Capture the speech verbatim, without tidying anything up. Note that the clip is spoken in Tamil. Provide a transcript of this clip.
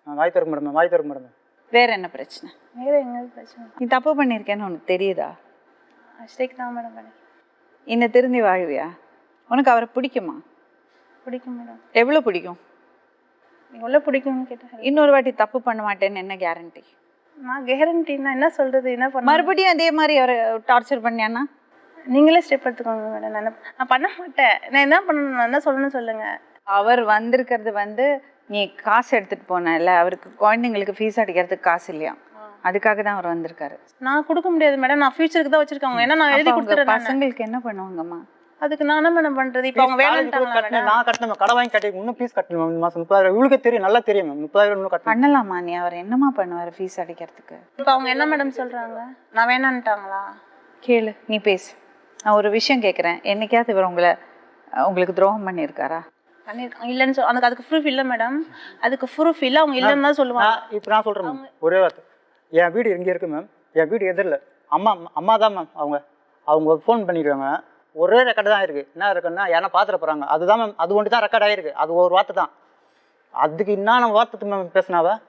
வாய் திறக்க மேடம் வாய் திறக்க மேடம். வேற என்ன பிரச்சனை? வேற எங்க பிரச்சனை? நீ தப்பு பண்ணியிருக்கேன்னு உனக்கு தெரியுதா? மிஸ்டேக் தான் மேடம் பண்ணி. இன்னும் திருந்தி வாழ்வியா? உனக்கு அவரை பிடிக்குமா? பிடிக்கும் மேடம். எவ்வளோ பிடிக்கும்? எவ்வளோ பிடிக்கும்னு கேட்டேன். இன்னொரு வாட்டி தப்பு பண்ண மாட்டேன்னு என்ன கேரண்டி? நான் கேரண்டின்னா என்ன சொல்றது, என்ன பண்ண மறுபடியும் அதே மாதிரி அவரை டார்ச்சர் பண்ணியானா? நீங்களே ஸ்டெப் எடுத்துக்கோங்க மேடம். நான் என்ன- நான் பண்ண மாட்டேன். நான் என்ன பண்ணணும், நான் என்ன சொல்லணும்னு சொல்லுங்க. அவர் வந்திருக்கிறது வந்து நீ காசு எடுத்துட்டு போனல, அவருக்கு குழந்தைங்களுக்கு ஃபீஸ் அடிக்கிறதுக்கு காசு இல்லையா, அதுக்காக தான் அவர் வந்திருக்காரு. நான் கொடுக்க முடியாது மேடம். நான் ஃபியூச்சருக்கு தான் வச்சிருக்காங்க. ஏன்னா நான் எழுதி கொடுத்துறேன். பசங்களுக்கு என்ன பண்ணுவாங்கம்மா? அதுக்கு நான் என்ன மேடம் பண்றது? இப்போ அவங்க வேலைட்டாங்களா மேடம்? நான் கட்டணும், கடை வாங்கி கட்டி இன்னும் ஃபீஸ் கட்டணும் மேம். இந்த மாதம் முப்பதாயிரம் இவளுக்கு தெரியும், நல்லா தெரியும் மேம். முப்பதாயிரம் இன்னும் கட்டணும். பண்ணலாமா? நீ அவர் என்னமா பண்ணுவார் ஃபீஸ் அடிக்கிறதுக்கு? இப்போ அவங்க என்ன மேடம் சொல்றாங்க? நான் வேணான்ட்டாங்களா? கேளு, நீ பேசு. நான் ஒரு விஷயம் கேட்குறேன். என்னைக்காவது இவர் உங்களை உங்களுக்கு துரோகம் பண்ணியிருக்காரா? பண்ணிருக்காங்க இல்லைன்னு சொல். எனக்கு அதுக்கு ப்ரூஃப் இல்லை மேடம். அதுக்கு ப்ரூஃப் இல்லை. அவங்க இல்லைன்னு தான் சொல்லுவாங்க. நான் இப்போ நான் சொல்கிறேன் மேம் ஒரே வார்த்தை. என் வீடு எங்கே இருக்குது மேம்? என் வீடு எதிரில் அம்மா அம்மா தான் மேம். அவங்க அவங்க ஃபோன் பண்ணிடுவாங்க. ஒரே ரெக்கார்டு தான் இருக்குது. என்ன இருக்குன்னா யாரா பார்த்துட்டு போகிறாங்க, அதுதான் மேம். அது ஒன்று தான் ரெக்கார்ட் ஆகிருக்கு. அது ஒரு வார்த்தை தான். அதுக்கு என்னென்ன வார்த்தை மேம் பேசினாவா?